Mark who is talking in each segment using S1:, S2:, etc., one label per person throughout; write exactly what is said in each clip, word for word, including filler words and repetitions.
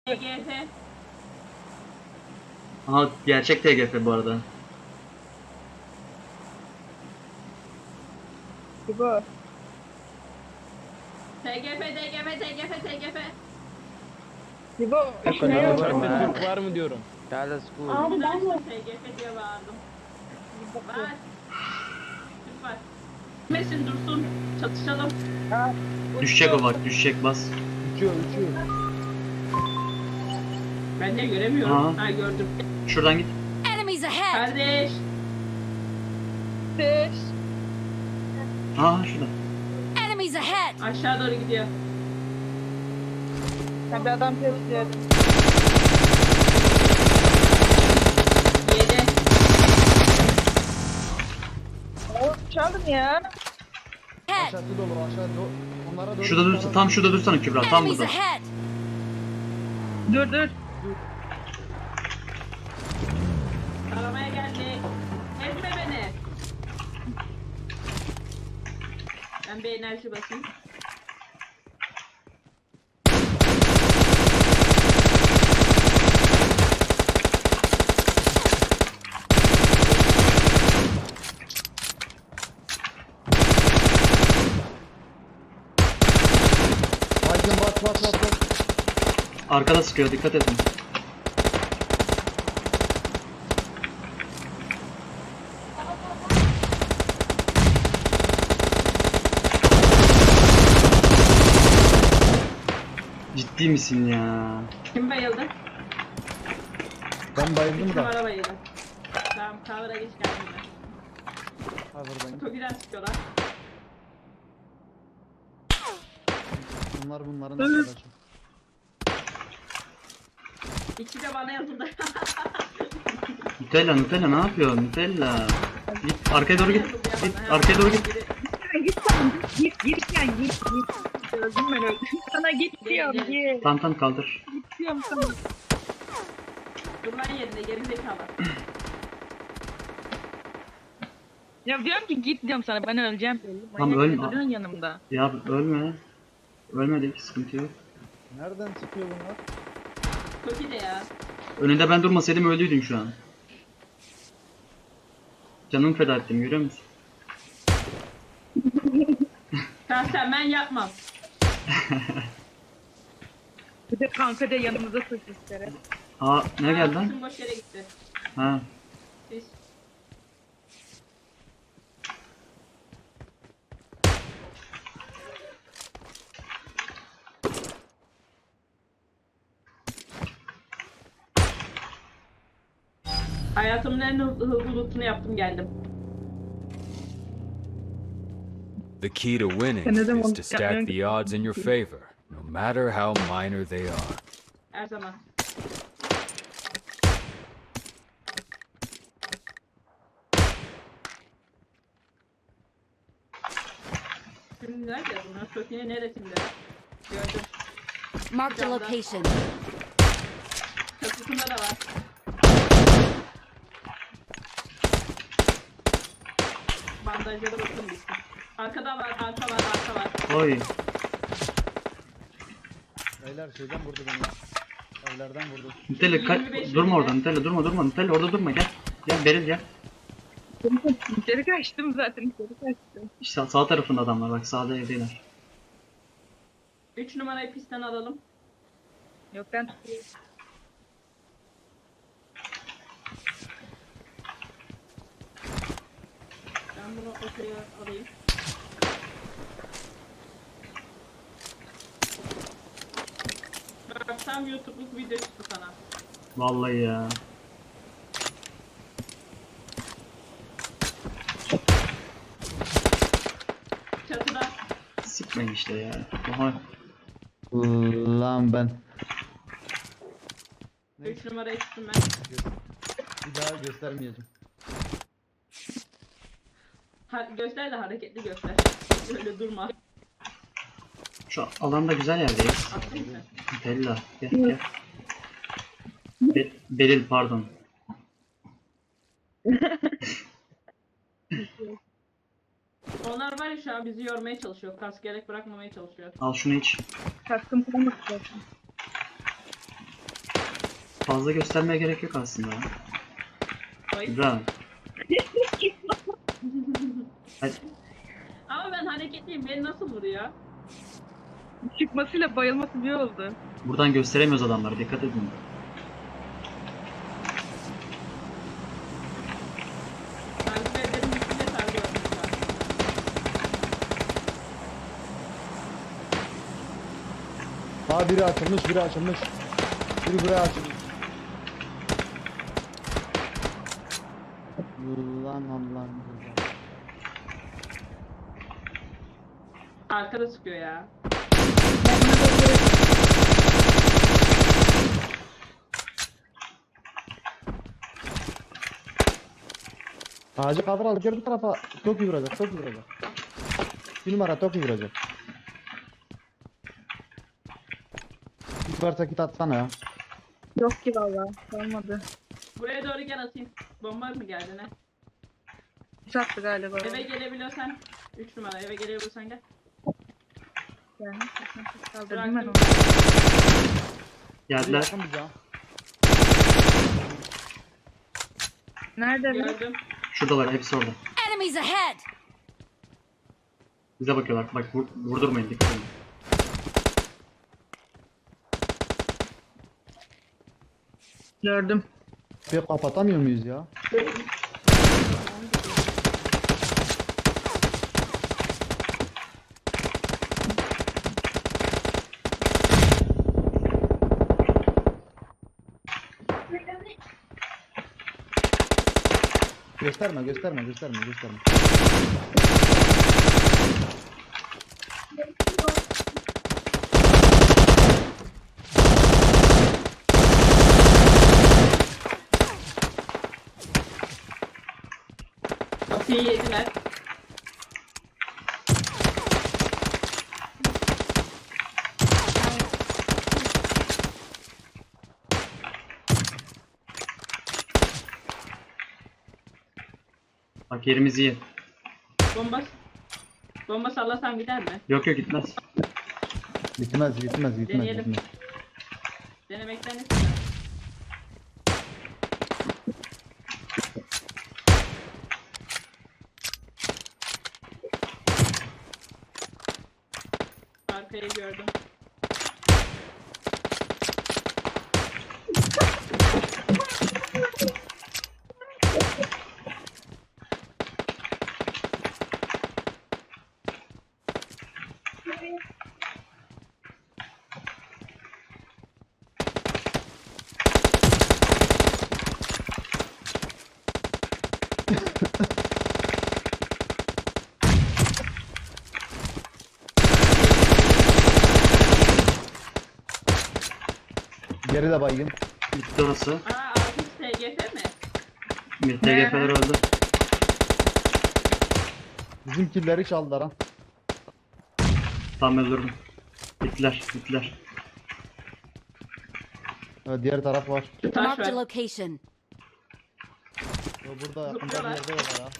S1: T G F.
S2: Aha gerçek T G F bu arada.
S3: Bu.
S1: T G F, T G F, T G F, T G F.
S3: Bu.
S4: Kanka
S3: Ne
S4: ne
S3: yok
S4: var
S3: ama.
S4: mı? Türk var mı diyorum.
S5: Dallas school.
S1: Abi ben de T G F diye bağırdım. Var. Türk var. Mesin dursun. Çatışalım.
S3: Aa,
S2: Düşecek o bak, düşecek, bas.
S4: Uçuyor uçuyor.
S1: Ben de göremiyorum.
S2: Aa.
S1: Ha gördüm.
S2: Şuradan git.
S6: Enemies ahead!
S1: Kardeş.
S3: Beş.
S2: Aa şurada.
S6: Enemies ahead!
S1: Aşağı doğru gidiyor.
S3: Ben bir adam tepsiyedim.
S1: Yedi.
S3: O çalın ya.
S6: Head!
S4: Aşağısı dolu aşağı do onlara doğru.
S2: Şurada dursa, tam şurada dursana Kübra, tam
S6: Enemies
S2: burada.
S6: ahead!
S3: Dur dur.
S1: Aramaya geldik. Ezme beni. Ben bir enerji basayım.
S4: Aydın bas bas bas bas.
S2: Arkada sıkıyor, dikkat edin. Ciddi misin ya?
S1: Kim bayıldı?
S4: Ben bayıldım
S1: Kim
S4: da.
S1: ara bayıldı? Tamam cover'a geç geldim ben.
S4: Hazırdayım.
S1: Toki'den sıkıyorlar.
S4: Bunlar bunların arkadaşı.
S1: İkisi de bana yazıldı.
S2: Nutella, Nutella ne yapıyor? Nutella. Git arkaya doğru git. Git arkaya doğru git.
S3: Git sen git git sen git git. Öldüm ben öldüm. Sana git diyorum git.
S2: Tamam tamam kaldır.
S3: Git diyorum sana.
S1: Dur lan yerine geri zekalı.
S3: Ya diyorum ki git diyorum sana ben öleceğim.
S2: Tamam,
S3: Manyak
S2: ölme.
S3: duruyorsun yanımda.
S2: Ya ölme. Ölmedik, sıkıntı yok.
S4: Nereden çıkıyor bunlar?
S1: Toki de ya.
S2: Önünde ben durmasaydım öldüydün şu an. Canımı feda ettim, görüyor musun?
S1: Şahsen ben yapmam.
S3: Bir de kanka da yanımıza sosisleri.
S2: Aa ne geldi lan?
S1: Bütün boş yere gitti.
S2: Ha.
S1: Biz. Hayatımın en hızlı hızlı lootunu yaptım geldim.
S7: The key to winning
S3: Another
S7: is
S3: one.
S7: to stack the odds in your favor, no matter how minor they are.
S1: Her zaman. Şimdi nerede bunlar? Toki'nin neresinde? Gördüm.
S6: Marked a location.
S1: Çatısında da var. Bandajlara bakın bitsin. Arkada var, arka var, arka var.
S2: Oy.
S4: Beyler şeyden vurdu beni. Evlerden vurdu.
S2: Nutella ka- durma orada, Nutella durma durma. Nutella orada durma, gel. Gel Beril gel.
S3: İçeri kaçtım zaten içeri kaçtım.
S2: İşte sağ tarafında adamlar, bak sağda evdeler.
S1: Üç numarayı pistten alalım.
S3: Yok ben tutuyorum.
S1: Ben bunu ortaya alayım. Bak tam YouTube'luk video çıktı sana.
S2: Vallahi ya.
S1: Çatıda.
S2: Sıkmayın işte ya. Oha.
S4: Lan ben.
S1: Üç numarayı tuttum ben.
S4: Bir daha göstermeyeceğim.
S1: Ha, göster de hareketli göster. Öyle durma.
S2: Şu alanda güzel yerdeyiz.
S1: Atlayayım mı?
S2: Nutella gel gel. Be- Beril pardon.
S1: Onlar var ya şu an bizi yormaya çalışıyor. Kask gerek bırakmamaya çalışıyor.
S2: Al şunu iç.
S3: Kaskım kalmadı zaten.
S2: fazla göstermeye gerek yok aslında.
S1: Oy.
S2: Güzel. Hadi.
S1: Ama ben hareketliyim. Beni nasıl vuruyor?
S3: Çıkmasıyla bayılması bir oldu.
S2: Buradan gösteremiyoruz adamları. Dikkat edin.
S1: Takip ederim. Üstüne takip ederim.
S4: Aa biri açılmış, biri açılmış. Biri buraya açılmış. Ulan Allah'ım.
S1: Arkada sıkıyor ya.
S4: Ağacı kaldır al, gel bu tarafa. Çok iyi vuracak, çok iyi vuracak. Bir numara çok iyi vuracak. Git varsa git atsana ya.
S3: Yok ki valla. Olmadı.
S1: Buraya doğru gel atayım. Bomba mı geldi ne?
S3: Sattı galiba.
S1: Eve gelebiliyorsan. üç numara eve gelebiliyorsan gel.
S3: Yani. Kaldırdım
S1: Bıraktım.
S3: ben onu.
S2: Geldiler.
S4: Yakın bize ha.
S3: Nerede bu?
S1: Gördüm.
S2: Şuradalar. Hepsi orada.
S6: Enemies ahead!
S2: Bize bakıyorlar. Bak vur, vurdurmayın. Dikkat edin.
S3: Gördüm.
S4: Bir kapatamıyor muyuz ya? Gösterme, gösterme, gösterme, gösterme.
S1: Kapıyı yediler.
S2: Bak yerimiz iyi.
S1: Bomba. Bomba sallasam gider mi?
S2: Yok yok gitmez.
S4: Gitmez, gitmez, gitmez,
S1: Deneyelim.
S4: gitmez.
S1: Denemekten istedim. Arkayı gördüm.
S4: Geri de baygın.
S2: Bitti orası.
S1: Aa altı T G F mi?
S2: T G F'ler öldü.
S4: Bizim killeri çaldılar ha.
S2: Tam öldürdüm. Bittiler. Bittiler.
S4: Evet, diğer taraf var.
S1: Taş
S6: Marked a
S1: ver.
S6: location.
S4: O burada yakında bir
S1: Zıplıyorlar.
S4: yerde var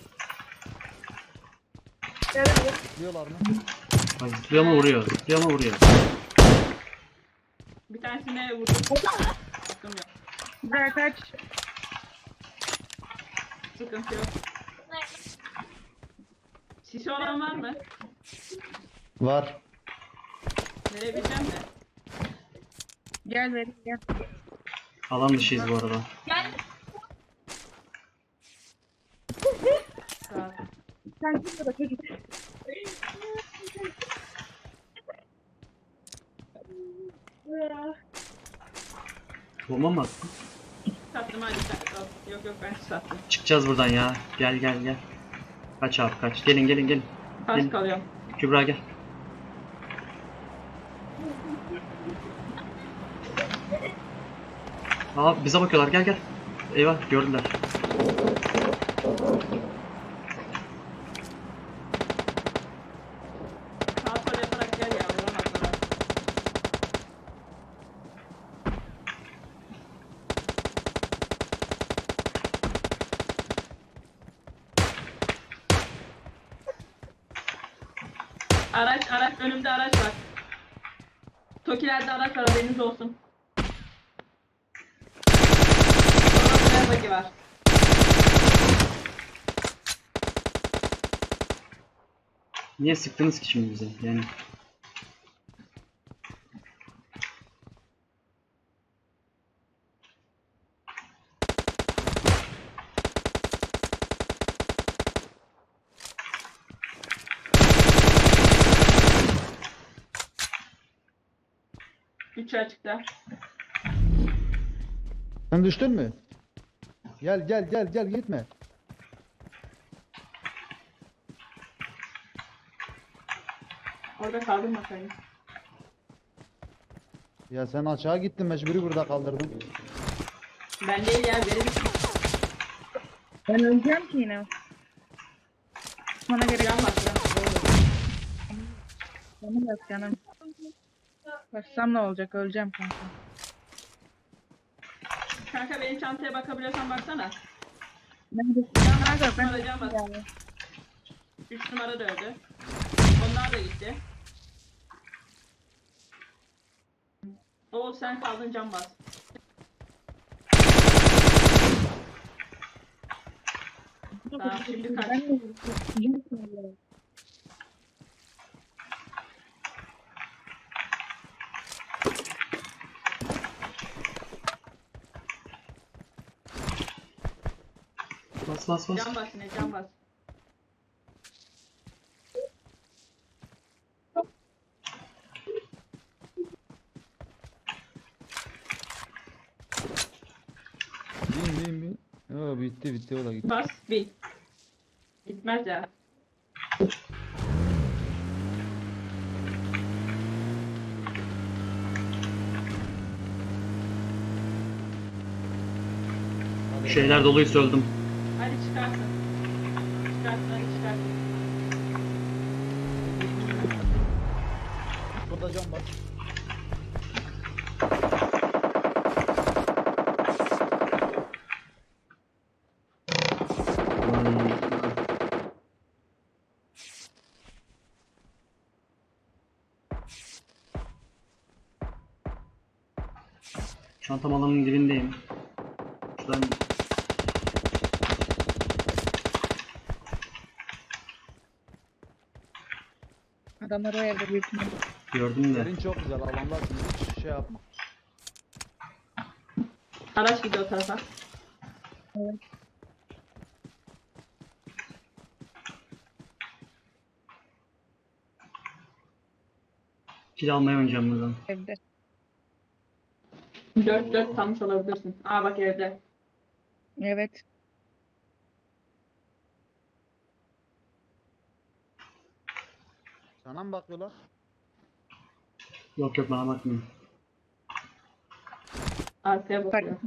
S4: ya. Zıplıyorlar mı?
S2: Bak zıplıyor mu vuruyor. Zıplıyor mu vuruyor.
S1: Bir tanesine vurdum. Sıkıntı yok.
S3: Güzel kaç.
S1: Sıkıntı yok. Sisi olan var mı?
S4: Var.
S1: Verebileceğim de.
S3: Gel verin gel.
S2: Alan dışıyız bu arada.
S1: Sağ ol.
S3: Sen git de çocuk.
S2: Bomba mı attın?
S1: Sattım hadi sat. al. Yok yok ben sattım.
S2: Çıkacağız buradan ya. Gel gel gel. Kaç abi kaç. Gelin gelin gelin.
S1: Pas
S2: Gelin.
S1: kalıyorum.
S2: Kübra gel. Aa bize bakıyorlar. Gel gel. Eyvah gördüler.
S1: Sağ sol yaparak gel ya. Vuramazlar. Araç araç önümde araç var. Tokilerde araç var haberiniz olsun. bagi var.
S2: Niye sıktınız ki şimdi bize? Yani
S1: Üç açıkta.
S4: Sen düştün mü? Gel gel gel gel gitme.
S1: Orada kaldım bakayım.
S4: Ya sen aşağı gittin mecburi burada kaldırdın.
S1: Ben değil ya verin.
S3: Ben öleceğim ki yine. Bana gerek
S1: Can bak ya.
S3: canım yok canım. Başsam ne olacak? Öleceğim kanka.
S1: Kanka benim çantaya bakabiliyorsan baksana.
S3: Neredesin? Kanka ben
S1: Numara can bas.
S3: yani.
S1: Üç numara da öldü. Onlar da gitti. Oo sen kaldın can bas. Tamam şimdi kaç.
S3: Ben de
S2: bas bas bas.
S1: Can bas yine can bas.
S4: Bin bin bin. Yo bitti bitti o da gitti.
S1: Bas bir. Gitmez ya.
S2: Şeyler doluysa öldüm.
S1: Hadi çıkarsın. Çıkarsın hadi çıkarsın.
S4: Burada cam var.
S2: Çantam alanın dibindeyim. Şuradan
S3: adamlar o evde büyük ihtimalle.
S2: gördüm de.
S4: Yerin çok güzel alanlar hiç şey yapma.
S1: Araç gidiyor o tarafa.
S3: Evet.
S2: Kill almaya oynayacağım buradan.
S3: Evde.
S1: Dört dört kalmış olabilirsin. Aa bak evde.
S3: Evet.
S4: Sana mı bakıyorlar?
S2: Yok yok bana bakmıyor.
S1: Arkaya
S3: Bak.
S1: bakıyor.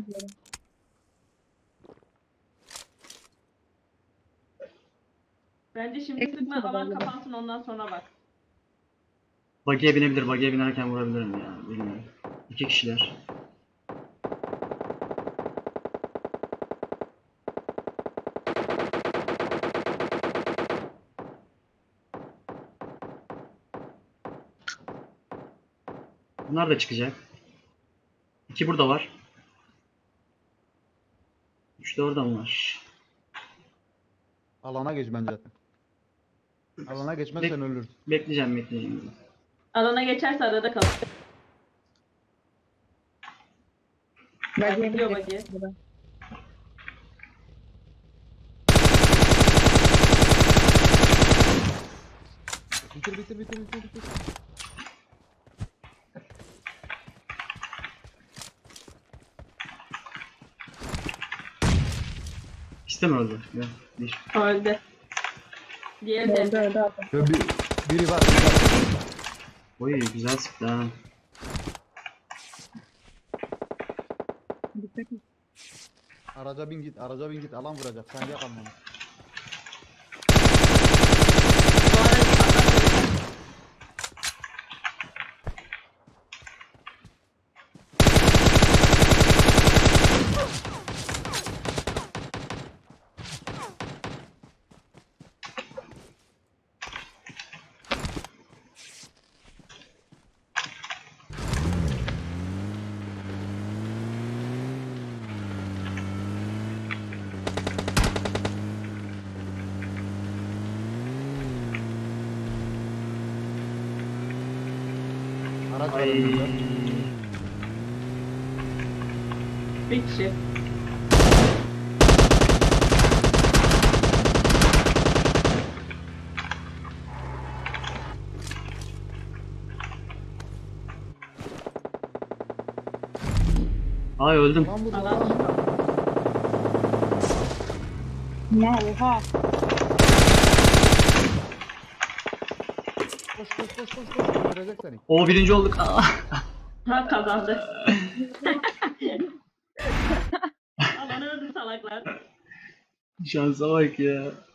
S1: Bence şimdi
S3: Tek
S1: sıkma
S3: sıkma
S1: alan
S3: galiba.
S1: kapansın ondan sonra bak.
S2: Buggy'e binebilir. Buggy'e binerken vurabilirim ya. Bilmiyorum. İki kişiler. Bunlar da çıkacak. İki burada var. Üç de orada mı var?
S4: Alana geç bence. Alana geçmezsen
S2: Bek-
S4: ölürsün.
S2: Bekleyeceğim bekleyeceğim.
S1: Alana geçerse arada kalır.
S3: Ben
S1: Gidiyor
S3: de-
S1: bagi.
S4: Bitir bitir bitir bitir bitir.
S2: İkisi de mi öldü? Yok. Bir.
S1: Öldü. Diğeri de
S3: Öldü
S1: evde.
S3: öldü adam.
S4: Yo, bir, biri var. Biri var.
S2: Oy güzel sıktı ha.
S3: Dikkat et.
S4: Araca bin git, araca bin git. Alan vuracak. Sen yak almanı.
S1: Bu arada patlatmayacak.
S4: Araç var
S2: Ay.
S4: önümüzde.
S1: Bir kişi.
S2: Ay öldüm.
S4: Lan burada
S1: Alan
S4: lan.
S1: çıkar.
S3: Ya oha.
S4: Koş koş koş koş koş. Öldürecek seni.
S2: O birinci olduk. Aa.
S1: Ha kazandı. Alan öldü salaklar.
S2: Şansa bak ya.